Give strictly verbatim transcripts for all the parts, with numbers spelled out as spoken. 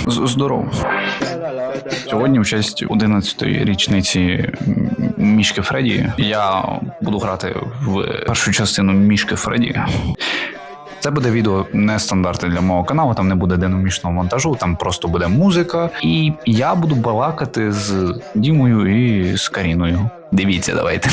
З- Здорово. Сьогодні, в честь одинадцятої річниці Мішки Фредді, я буду грати в першу частину Мішки Фредді. Це буде відео нестандартне для мого каналу, там не буде динамічного монтажу, там просто буде музика. І я буду балакати з Дімою і з Каріною. Дивіться, давайте.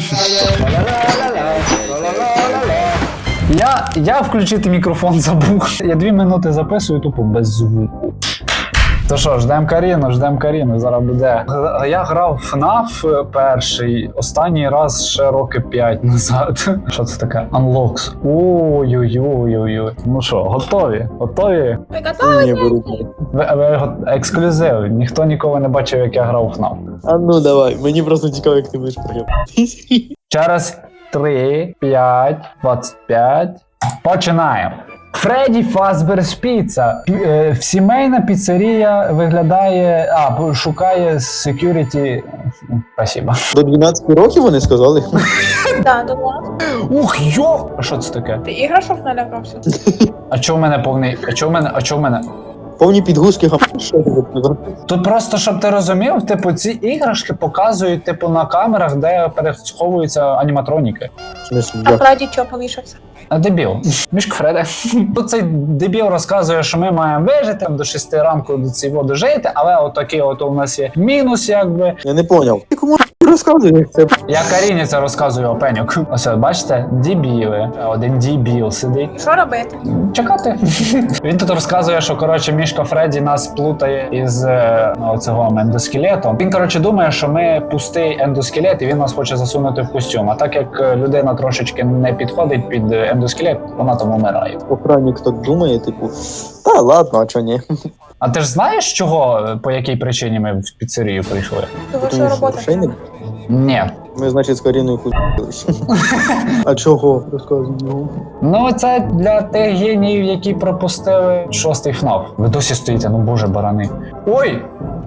Я, я включити мікрофон забув. Я дві минути записую тупо без звуку. То що, ждем Каріну, ждем Каріну, зараз буде. Я грав в еф ен ей еф перший, останній раз ще роки п'ять назад. Що це таке? Unlocks. Ой-ой-ой-ой-ой. Ну що, готові? Готові? Ви готові? Ви, ви, го- ексклюзив. Ніхто ніколи не бачив, як я грав в еф ен ей еф. А ну давай, мені просто цікаво, як ти будеш програти. Через три, п'ять, двадцять п'ять. Починаємо. Фредді Фазберс Піца. Пі- е, Сімейна піцерія виглядає... А, шукає security... Спасибо. До дванадцяти років вони сказали? Да, думала. Ух, йо! А що це таке? Ти іграшок налякався? А чо в мене повний... А чо в мене... А чо в мене... Повні підгузки гам... Що ти тут сказав? Тут просто, щоб ти розумів, типу, ці іграшки показують, типу, на камерах, де пересховуються аніматроніки. В смислі, А як? Фредді чого повішався? А дебіл. Мішка Фреде. Тут цей дебіл розказує, що ми маємо вижити, до шести ранку до цієї води жити, але отакий от у нас є мінус, якби. Я не поняв. Ти кому розказуєш, як це? Я Каріні це розказую, опенюк. Ось, от, бачите, дебіли. Один дебіл сидить. Що робити? Чекати. Він тут розказує, що, коротше, Мішка Фредді нас плутає із е, ну, цього ендоскелетом. Він, коротше, думає, що ми пустий ендоскелет, і він нас хоче засунути в костюм. А так як е, людина трошечки не підходить під ендоскелет, вона там умирає. Охранник так думає, типу, та ладно, а чого ні? А ти ж знаєш, чого, по якій причині ми в піцерію прийшли? Того, що Тому що робота. грошей не... Ні. Ми, значить, з Каріною хуйнились. А чого? Розказуй його. Ну, це для тих геніїв, які пропустили шостий еф ен ей еф. Ви досі стоїте, ну боже, барани. Ой!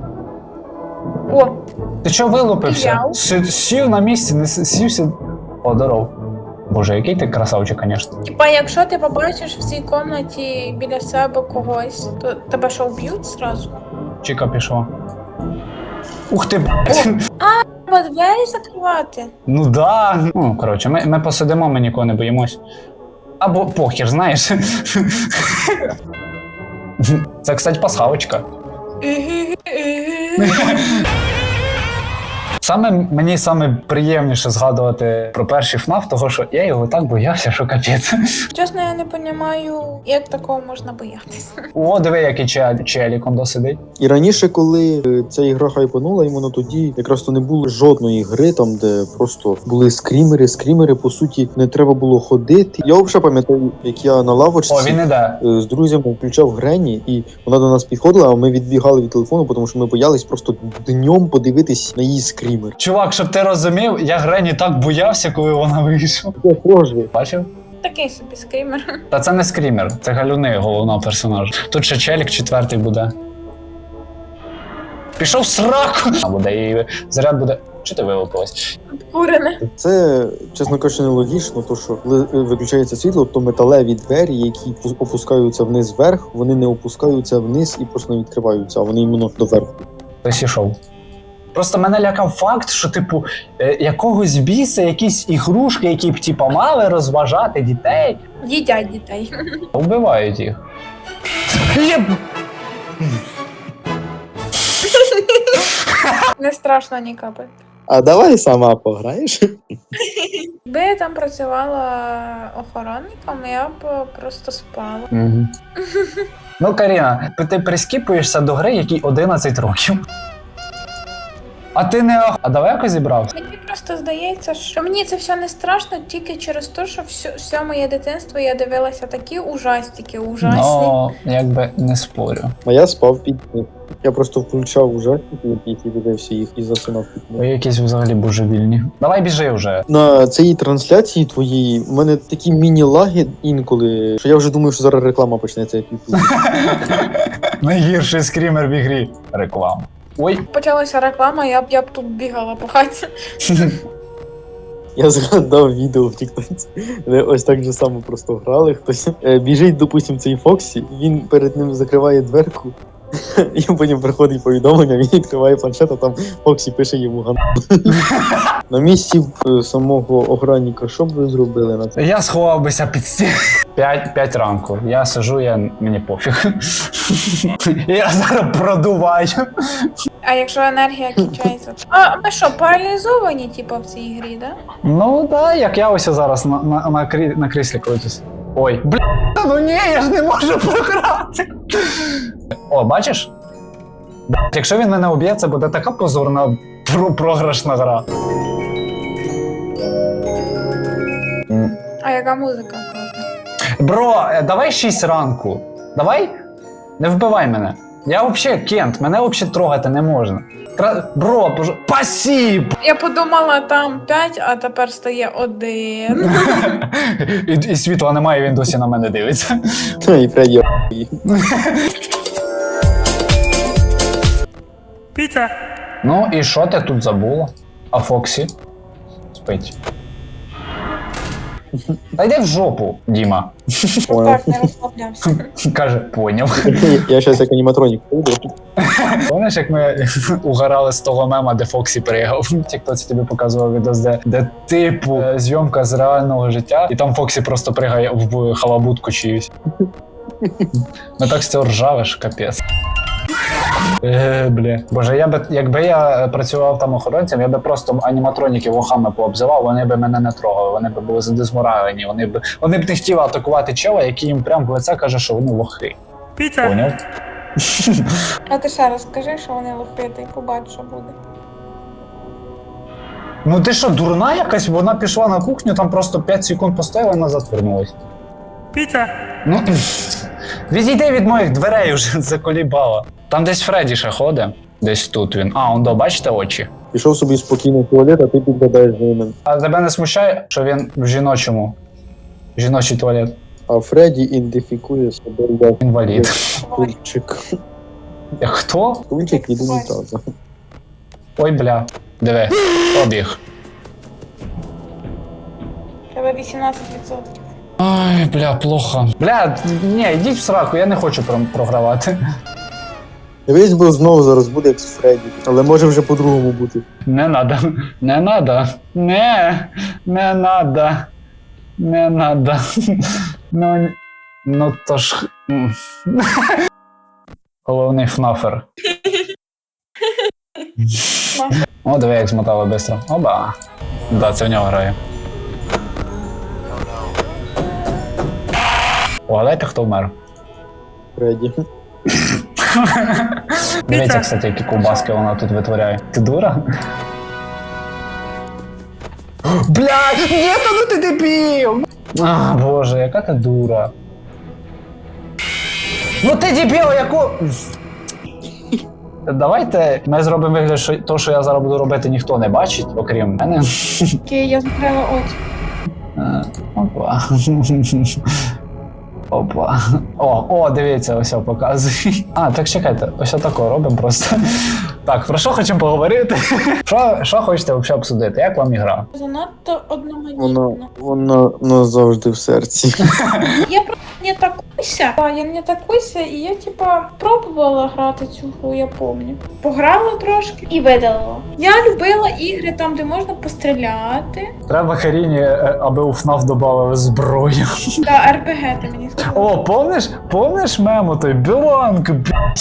О, Ти чого вилупився? Я. Сі- Сів на місці, не с- сівся. О, здоров. Боже, який ти красавчик, звісно. типа, якщо ти побачиш в цій комнаті біля себе когось, то тебе що, вб'ють зразу? Чіка пішла. Ух ти, блядь. Треба двері закривати. Ну да. Ну, коротше, ми, ми посидимо, ми нікого не боїмось. Або похер, знаєш. Це, кстати, пасхалочка. Саме мені саме приємніше згадувати про перший еф ен ей еф, того що я його так боявся, що капець. Чесно, я не розумію, як такого можна боятися. О, диви, який чел- челік он досидить. І раніше, коли е, ця ігра хайпанула, іменно тоді якраз то не було жодної гри, там, де просто були скрімери, скрімери, по суті, не треба було ходити. Я взагалі пам'ятаю, як я на лавочці О, він іде. е, з друзями включав Гренні, і вона до нас підходила, а ми відбігали від телефону, тому що ми боялись просто днем подивитись на її скрімер. Чувак, щоб ти розумів, я Грені так боявся, коли вона вийшла. Це боже. Бачив? Такий собі скример. Та це не скрімер, це галюни головного персонажа. Тут ще челік четвертий буде. Пішов в сраку! А буде і заряд буде. Чи ти вилупилась? Курене. Це, чесно кажучи, нелогічно, то що коли виключається світло, то металеві двері, які опускаються вниз вверх, вони не опускаються вниз і просто не відкриваються, а вони іменно доверху. Хтось ішов. Просто мене лякав факт, що, типу, е, якогось біса, якісь ігрушки, які б, типу, мали розважати дітей, Їдять дітей. вбивають їх. Єб! Не страшно ні капель. А давай сама пограєш. Якби я там працювала охоронником, я б просто спала. Угу. Ну, Каріна, ти прискіпуєшся до гри, якій одинадцять років. А ти не ох... А давай якось зібрався? Мені просто здається, що мені це все не страшно тільки через те, що все, все моє дитинство я дивилася такі ужастики, ужасні. Ну, якби не спорю. А я спав під них. Я просто включав уже якісь і дивився їх і засинав під них. Ви якісь взагалі божевільні. Давай біжи вже. На цій трансляції твоїй у мене такі міні-лаги інколи, що я вже думаю, що зараз реклама почнеться як YouTube. Найгірший скрімер в ігрі. Реклама. Ой. Почалася реклама, я б я б тут бігала по хаті. Я згадав відео в Тіктоці, де ось так же само просто грали хтось. Е, Біжить, допустим, цей Фоксі, він перед ним закриває дверку, І потім приходить повідомлення, він відкриває планшет, а там Фоксі пише йому ган. На місці е, самого огранника, що б ви зробили на це? Я сховав бися під стіл. П'ять, п'ять ранку. Я сижу, я, мені пофіг. Я зараз продуваю. А якщо енергія кінчається? А ми що, паралізовані, типу, в цій грі, да? Ну так, як я ось зараз на, на, на, крі, на кріслі крутюсь. Ой, бля, ну ні, я ж не можу програти. О, бачиш? Бля, якщо він мене уб'є, це буде така позорна про- програшна гра. А яка музика класна? Бро, е, давай шість ранку. Давай? Не вбивай мене. Я взагалі кент, мене взагалі трогати не можна. Тра... Бро, боже, пасіб! Я подумала, там п'ять, а тепер стає один. і, і світла немає, він досі на мене дивиться. І Фредді Піта. Ну і що ти тут забула? А Фоксі? Спить. Та йди в жопу, Діма. понял. Так, не розслаблявся. Каже, поняв. Я щас як аніматронік прийду. Пам'ятаєш, як ми угорали з того мема, де Фоксі приїхав? Тіктоці тобі показував відос, де, де типу е, зйомка з реального життя, і там Фоксі просто пригає в халабутку чиюсь. Ми так з цього ржали, ж капець. Е, бля. Боже, я би, якби я працював там охоронцем, я би просто аніматроніків вухами пообзивав, вони би мене не трогали, вони б були задезморалені, вони б, вони б не хотіли атакувати чела, який їм прямо в лице каже, що вони лохи. Піта. Поняв? А ти ще раз скажи, що вони лохи, ти побач, що буде. Ну ти що, дурна якась? Вона пішла на кухню, там просто п'ять секунд постояла і назад вернулась. Піта. Ну, відійди від моїх дверей вже, заколібала. Там десь Фредді ще ходить. Десь тут він. А, он до, бачите очі? Пішов собі спокійно в туалет, а ти підглядаєш за ним. А тебе не смущає, що він в жіночому? Жіночий туалет. А Фредді ідентифікує себе як Інвалід. Кульчик. Як хто? Кульчик від унітаза. Ой, бля. Диви, побіг. Тебе вісімнадцять відсотків. Ой, бля, плохо. Бля, ні, йдіть в сраку, я не хочу про- програвати. Дивись, бо знову зараз буде як з Фредді. Але може вже по-другому бути. Не надо, не надо, не, не надо, не надо. Ну, ну то ж... м. Головний фнафер. О, диви, як змотали бистро. Оба. Да, це в нього грає. Угадайте, хто вмер. Фредді. Дивіться, кстати, які ковбаски вона тут витворяє. Ти дура? Блядь, ні, та ну ти дебіл! А, боже, яка ти дура. Ну ти дебіл, яку... Давайте ми зробимо вигляд, що то, що я зараз буду робити, ніхто не бачить, окрім мене. Окей, я закрила очі. Е, Опа. Опа. О, о, дивіться, ось показує. А, так чекайте, ось тако робимо просто. Так, про що хочемо поговорити? Що, що хочете взагалі обсудити? Як вам ігра? Занадто одноманітно. Вона, вона назавжди в серці. Я просто не такуся. А, я не такуся, і я типа пробувала грати цю гру, я пам'ятаю. Пограла трошки і видалила. Я любила ігри там, де можна постріляти. Треба Каріні, е, аби у ФНАФ додали зброю. Та ар пі ге ти мені сказала. О, помниш? Помниш мему той Біланг, блядь.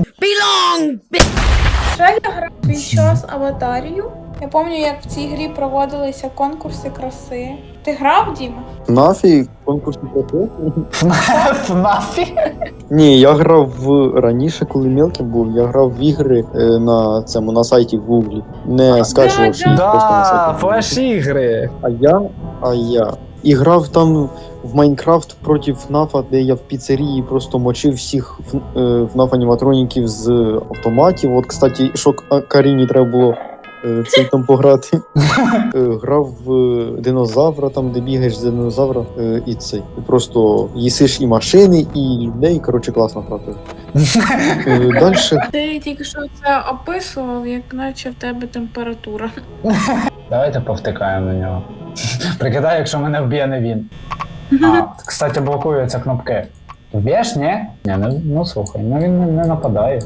Ще я грав свій час аватарію. Я пам'ятаю, як в цій грі проводилися конкурси краси. Ти грав, Діма? Нафі конкурсні проти? ФНАФі? Ні, я грав в раніше, коли мелким був, я грав в ігри е, на цьому на сайті в Гуглі. Не скачувавши їх просто на Да, сайті. флеш-ігри. А я, а я. І грав там в Майнкрафт проти ФНАФа, де я в піцерії просто мочив всіх ФНАФ аніматроніків з автоматів. От, кстати, що К- Каріні треба було е, цей там пограти. Е, Грав в динозавра, там де бігаєш з динозавра, е, і цей. І просто їсиш і машини, і людей. Коротше, класно грати. Е, Дальше. Ти тільки що це описував, як наче в тебе температура. Давайте повтикаємо на нього. Прикидай, якщо мене вб'є не він. А, кстати, блокуються кнопки. Вб'єш, ні? Ні, ну, ну слухай, ну він не, не нападає.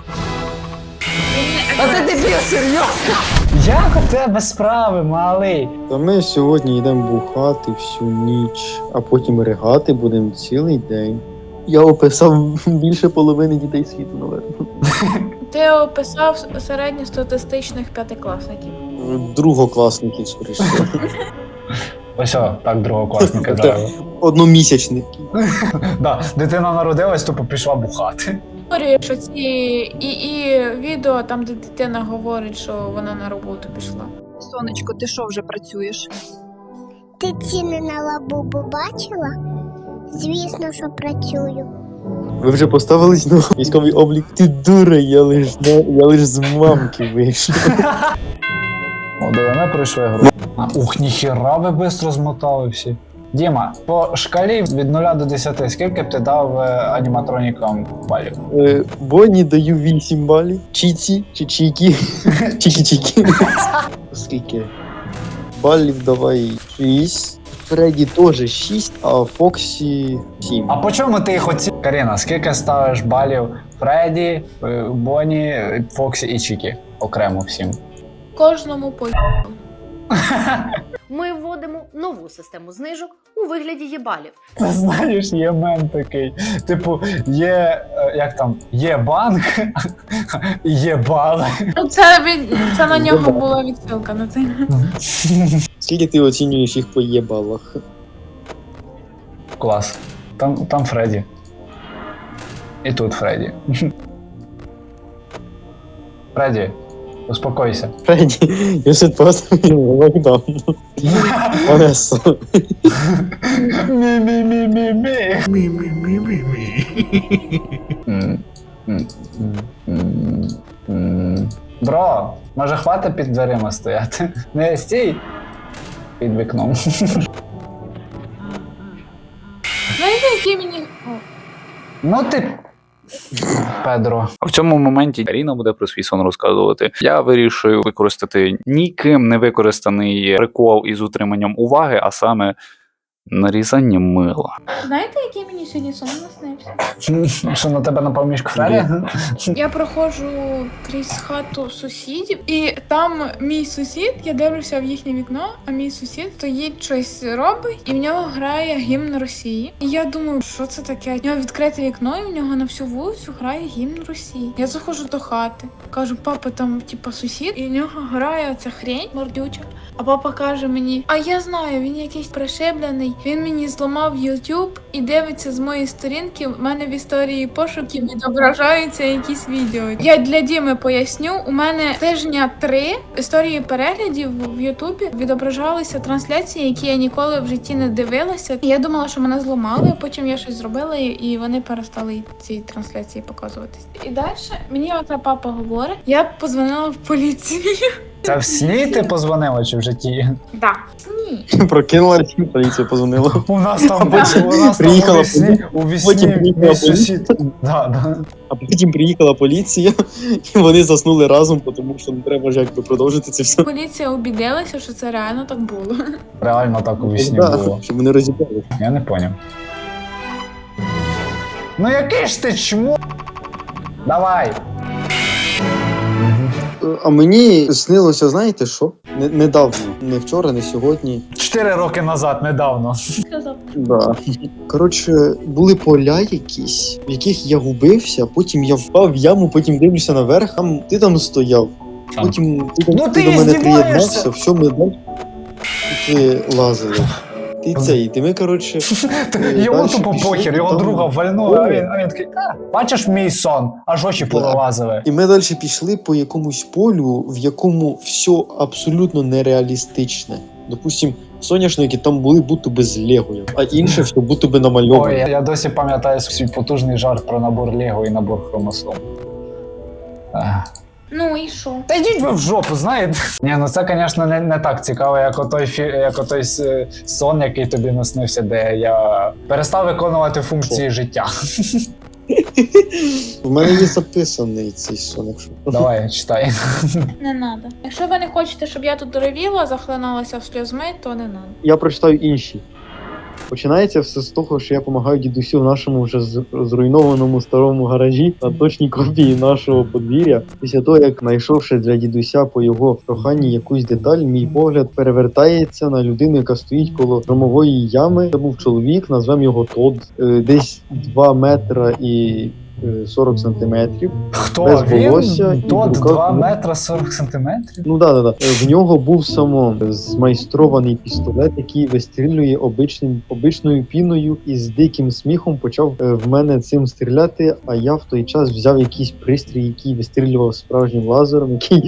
А ти дебіл, серйозно? Як у тебе справи, малий? Та ми сьогодні йдемо бухати всю ніч, а потім ригати будемо цілий день. Я описав більше половини дітей світу, наверно. Ти описав середньостатистичних п'ятикласників. Другокласників, скоріше. Ось о, так другокласника зараз. Одномісячники. Да, дитина народилась, тупо пішла бухати. Говорю, що ці і, і відео там, де дитина говорить, що вона на роботу пішла. Сонечко, ти що вже працюєш? Ти ціни на лабубу бачила? Звісно, що працюю. Ви вже поставились на військовий облік? Ти дура, я лиш, на- я лиш з мамки вийшов. О, диви, ми пройшли гру. Ух, ніхіра ви бистро змотали всі. Діма, по шкалі від нуля до десяти, скільки б ти дав е, аніматронікам балів? Е, Бонні даю вісім балів. Чіці, чи чікі. Чікі-чікі. Скільки? Балів давай шість. Фредді теж шість, а Фоксі сім. А по чому ти їх оці... Каріна, скільки ставиш балів Фредді, е, Бонні, Фоксі і Чікі? Окремо всім. Кожному по Ми вводимо нову систему знижок у вигляді єбалів. Ти знаєш, є мем такий. Типу, є, е, як там, є банк, є бали. Ну, це, від... це на нього була відсилка на це. Скільки ти оцінюєш їх по єбалах? Клас. Там, там Фредді. І тут Фредді. Фредді, успокойся. Фредді, я ще просто локдаун. Онесо. Мі-мі-мі-мі-мі. Мі-мі-мі-мі-мі. Бро, може хватить під дверима стояти? Не стій під вікном. Знаєте, які мені. О, Ну ти... Педро. А в цьому моменті Каріна буде про свій сон розказувати. Я вирішую використати ніким не використаний прикол із утриманням уваги, а саме нарізання мила. Знаєте, який мені сьогодні сон наснився? Що на тебе напав мішка Фредді? Я проходжу крізь хату сусідів, і там мій сусід, я дивлюся в їхнє вікно, а мій сусід стоїть щось робить, і в нього грає гімн Росії. І я думаю, що це таке? В нього відкрите вікно, і в нього на всю вулицю грає гімн Росії. Я заходжу до хати, кажу, папа, там типа сусід, і в нього грає ця хрень мордюча. А папа каже мені, а я знаю, він якийсь пришиблений, він мені зламав YouTube і дивиться з моєї сторінки, в мене в історії пошуків відображаються якісь відео. Я для Діми поясню, у мене тижня три в історії переглядів в Ютубі відображалися трансляції, які я ніколи в житті не дивилася. І я думала, що мене зламали, а потім я щось зробила, і вони перестали ці трансляції показуватись. І далі мені оце папа говорить, я б позвонила в поліцію. Це в сні ти позвонила чи в житті? Да. Ні. Прокинулась, поліція позвонила. У нас там, потім у нас там приїхала у вісні, у потім вісні приїхала мій сусід. Да, да. А потім приїхала поліція, і вони заснули разом, тому що не треба ж якби продовжити це все. Поліція обідалася, що це реально так було. Реально так у вісні Да, було. щоб вони розібрали. Я не поняв. Ну який ж ти чмо? Давай. А мені снилося, знаєте що? Не- Недавно, не вчора, не сьогодні. Чотири роки назад, недавно. Сказав. Да. Коротше, були поля якісь, в яких я губився, потім я впав в яму, потім дивлюся наверх, там ти там стояв. Потім ти, Ну ти ти до мене здіваєшся! приєднався, все, ми далі ти лазили. Ти цей, ти ми, коротше. Йому дальше тупо пішли, похер, його там- друга вальнуло, а він, а він такий, а, бачиш мій сон, аж очі повилазили. І ми далі пішли по якомусь полю, в якому все абсолютно нереалістичне. Допустим, соняшники там були будто би з Лего, а інше все будто би Ой, намальоване. я, я досі пам'ятаю свій потужний жарт про набор Лего і набор хромосом. Ах. Ну і що? Та йдіть ви в жопу, знаєте? Ні, ну це, звісно, не, не так цікаво, як отой, фі... як отой с- сон, який тобі наснився, де я перестав виконувати функції життя. У мене є записаний цей сон, якщо. Давай, читай. Не надо. Якщо ви не хочете, щоб я тут ревіла, захлиналася в сльозми, то не надо. Я прочитаю інші. Починається все з того, що я допомагаю дідусю в нашому вже з- зруйнованому старому гаражі на точній копії нашого подвір'я. Після того, як знайшовши для дідуся по його проханні якусь деталь, мій погляд перевертається на людину, яка стоїть коло громової ями. Це був чоловік, назвемо його Тодд, е, десь два метра і е, сорок сантиметрів. Хто Без він? волосся і в Тот руках два ну- метра сорок сантиметрів? Ну да, да, да. В нього був само змайстрований пістолет, який вистрілює обичним обичною піною і з диким сміхом почав е, в мене цим стріляти. А я в той час взяв якийсь пристрій, який вистрілював справжнім лазером, який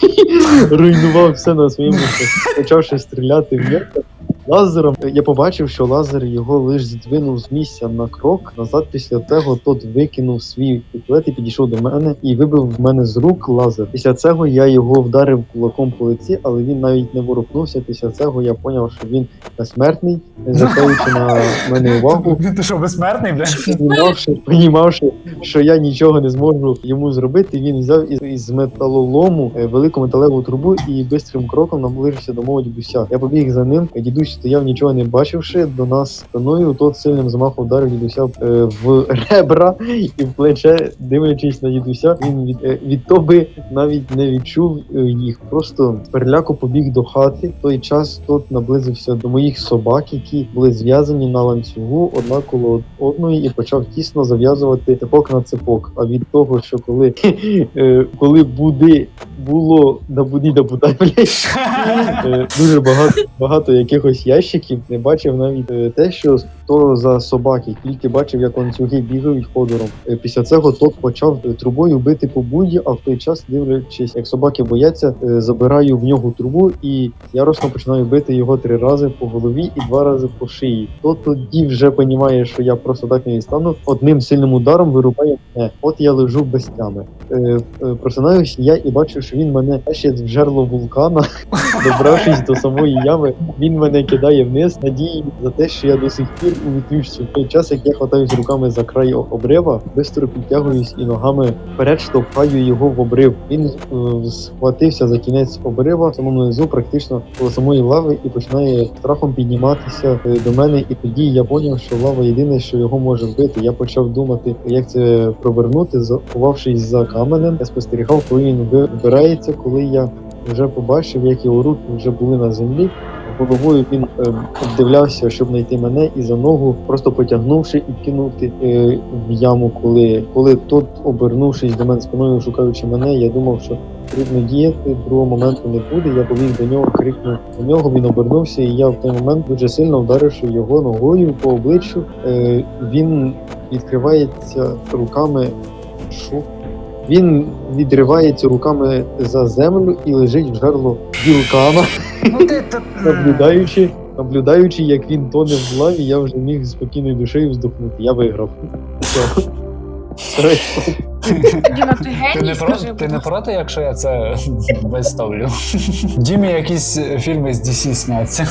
руйнував все на своєму шляху. Почавши стріляти в нього лазером. Я побачив, що лазер його лише здвинув з місця на крок назад. Після того тот викинув свій пістолет і підійшов до мене і вибив в мене з рук лазер. Після цього я його вдарив кулаком по лиці, але він навіть не ворухнувся. Після цього я зрозумів, що він безсмертний, не звертаючи на мене увагу. Ти що, безсмертний, блядь? Понімавши, понімавши, що я нічого не зможу йому зробити, він взяв із, із металолому е, велику металеву трубу і бистрим кроком наближився до мого дідуся. Я побіг за ним. Дідусь стояв, нічого не бачивши до нас спиною. Тот сильним замахом вдарив дідуся е, в ребра і в плече, дивлячись на дідуся, він від, е, від тоби навіть не відчув е, їх. Просто з переляку побіг до хати. В той час тот наблизився до моїх собак, які були зв'язані на ланцюгу одна коло одної, і почав тісно зав'язувати цепок на цепок. А від того, що коли, е, коли буди було да буді да будай, блядь, е, дуже багато, багато якихось ящиків, не бачив навіть е, те, що то за собаки, тільки бачив, як ланцюги бігають ходором. Е, Після цього тот почав е, трубою бити по буді, а в той час, дивлячись, як собаки бояться, е, забираю в нього трубу і яростно починаю бити його три рази по голові і два рази по шиї. То тоді вже розуміє, що я просто так не стану. Одним сильним ударом вирубає мене. От я лежу без тями. Е, е, просинаюсь я і бачу, що він мене тащить в жерло вулкана. Добравшись до самої ями, він мене кидає вниз, надії за те, що я до сих пір у відключці. В той час, як я хватаюсь руками за край обрива, швидко підтягуюсь і ногами вперед штовхаю його в обрив. Він е, схватився за кінець обрива, в самому низу, практично коло самої лави, і починає страхом підніматися е, до мене. І тоді я зрозумів, що лава єдине, що його може вбити. Я почав думати, як це провернути, заховавшись за каменем. Я спостерігав, коли він вибирається, коли я вже побачив, як його руки вже були на землі. Головою він е, обдивлявся, щоб знайти мене, і за ногу, просто потягнувши і кинути е, в яму. Коли, коли тот, обернувшись до мене спиною, шукаючи мене, я думав, що потрібно діяти, другого моменту не буде. Я побіг до нього, крикнув до нього, він обернувся, і я в той момент дуже сильно вдаривши його ногою по обличчю. Е, він відкривається руками. Що? Він відривається руками за землю і лежить в жерло вулкана. Ну ти та... Наблюдаючи, наблюдаючи, як він тоне в лаві, я вже міг з спокійною душею вздохнути. Я виграв. Все. Діма, ти Ти геній, не, скажи, проти, ти будь не ласка. проти, якщо я це виставлю? Дімі якісь фільми з Ді Сі сняться.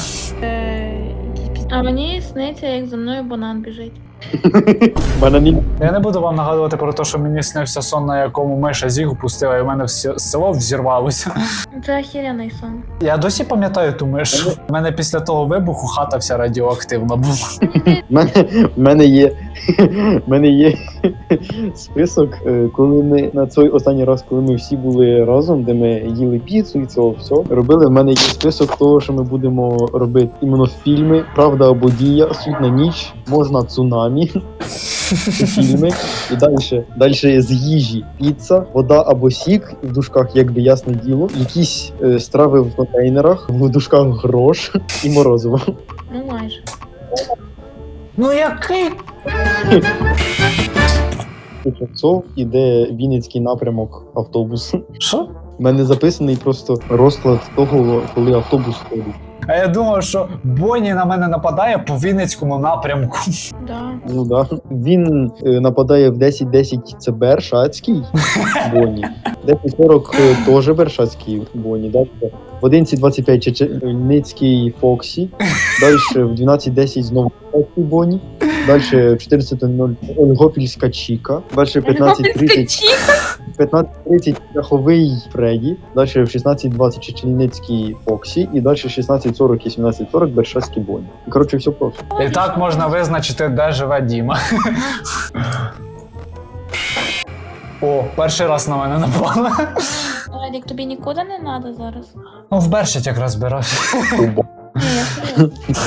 А мені сниться, як за мною банан біжить. Бананін. Я не буду вам нагадувати про те, що мені снився сон, на якому миша зігу пустила, і в мене все село взірвалося. Це охеренний сон. Я досі пам'ятаю ту мишу. У мене після того вибуху хата вся радіоактивна була. В мене, в мене є, в мене є список, е, коли ми на цей останній раз, коли ми всі були разом, де ми їли піцу і цього все робили. В мене є список того, що ми будемо робити іменно фільми Правда або дія, Судна ніч, можна цунамі. Це фільми. І далі, далі з їжі піца, вода або сік, в дужках, якби ясне діло, якісь е, страви в контейнерах, в дужках грош і морозиво. Ну майже. Ну який? Часов іде Вінницький напрямок автобус. Що? У мене записаний просто розклад того, коли автобус ходить. А я думав, що Бонні на мене нападає по Вінницькому напрямку. Да. Ну да. Він е, нападає в десять десять, це Бершацький Бонні. десять сорок е, теж Бершацький Бонні, да? Це В одинадцять двадцять п'ять Чечельницький Фоксі. Далі в дванадцять десять знову Фоксі Бонні. Далі в чотирнадцять нуль Ольгопільська Чіка. Далі в п'ятнадцять тридцять п'ятнадцять тридцять Шаховий Фредді. Далі в шістнадцять двадцять Чечельницький Фоксі. І далі шістнадцять сорок і сімнадцять сорок Бершевський Бонні. І, коротше, все просто. І так можна визначити, де живе Діма. О, перший раз на мене напали. Владик, тобі нікуди не треба зараз? Ну, в Бершить якраз збирався. Ні, я серйозно.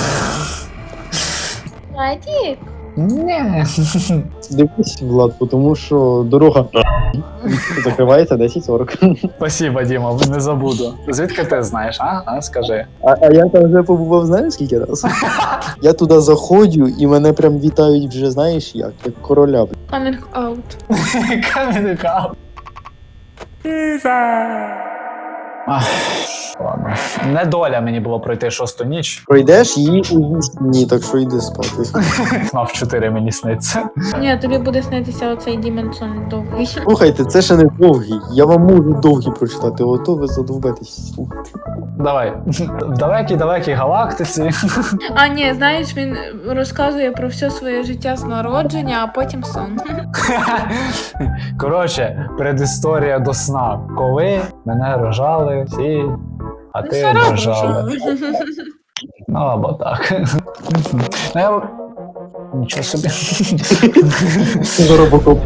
Владик? Ні. Дивись, Влад, тому що дорога закривається десять сорок. Спасибо, Діма, не забуду. Звідки ти знаєш, а? А, скажи. А, а я там вже побував, знаєш скільки раз? Я туди заходжу і мене прям вітають вже, знаєш як, як короля. Coming out. Кам'яний кап. Ладно. Не доля мені було пройти шосту ніч. Пройдеш її у вісні, так що йди спати. Знов чотири мені сниться. Ні, тобі буде снитися оцей Діменсон довгий. Слухайте, це ще не довгий. Я вам можу довгий прочитати, ото ви задовбетесь слухати. Давай. В далекій-далекій галактиці. А ні, знаєш, він розказує про все своє життя з народження, а потім сон. Коротше, предісторія до сна. Коли мене рожали всі, а ти Все равно, рожала. що. Ну, або так. Ну, я... Нічого собі. Робокоп.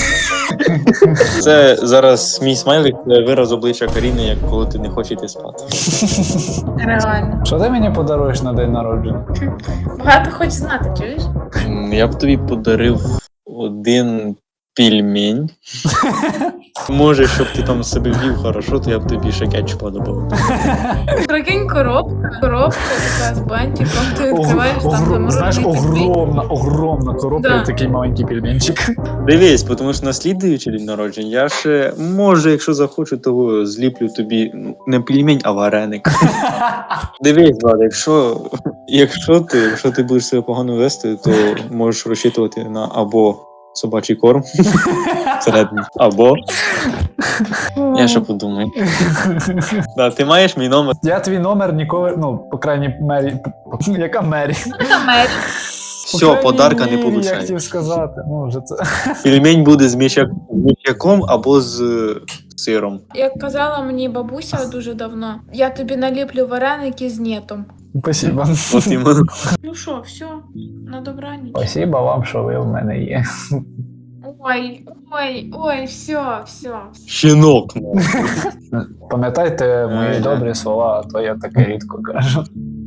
Це зараз мій смайлик, це вираз обличчя Каріни, як коли ти не хочеш йти спати. Реально. Що ти мені подаруєш на день народження? Багато хочеш знати, чуєш? М, Я б тобі подарив один пельмень. Може, щоб ти там себе вів хорошо, то я б тобі ще кетчупа додав. Прикинь, коробка, коробка така з бантиком, ти Ог- відкриваєш там огром- Знаєш, заморожений такий. огромна, огромна коробка Да. і такий маленький пельменчик. Дивись, тому що наслідуючи день народження, я ще, може, якщо захочу, то зліплю тобі ну, не пельмень, а вареник. Дивись, Влад, якщо, якщо, ти, якщо ти будеш себе погано вести, то можеш розчитувати на або собачий корм всередині, або я ще подумаю. Да, ти маєш мій номер. Я твій номер ніколи, ну, по крайній мері. Яка мері? Така Мері. Все, По крайній подарка не мірі, Я получай. хотів сказати, ну, вже це. Пельмень буде з мішак- з мішаком або з е, сиром. Як казала мені бабуся дуже давно, я тобі наліплю вареники з нетом. Спасибо. От іменно. Ну що, все, на добраніч. Спасибо вам, що ви в мене є. Ой, ой, ой, все, все. Щінок. ну. Пам'ятайте мої Ага. добрі слова, а то я таке рідко кажу.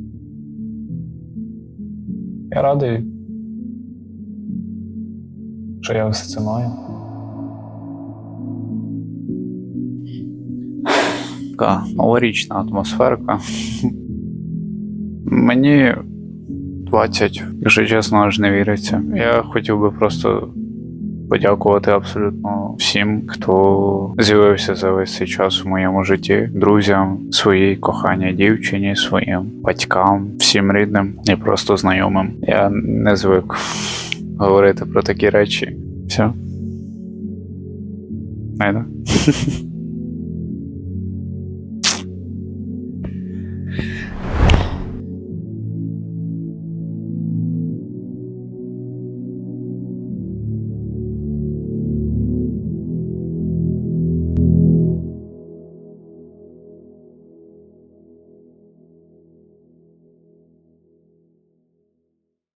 Я радий, що я все це маю. Така новорічна атмосферка. Мені двадцять, якщо чесно, аж не віриться. Я хотів би просто подякувати абсолютно всім, хто з'явився за весь цей час у моєму житті, друзям, своїй коханій дівчині, своїм батькам, всім рідним і просто знайомим. Я не звик говорити про такі речі. Все. Найда.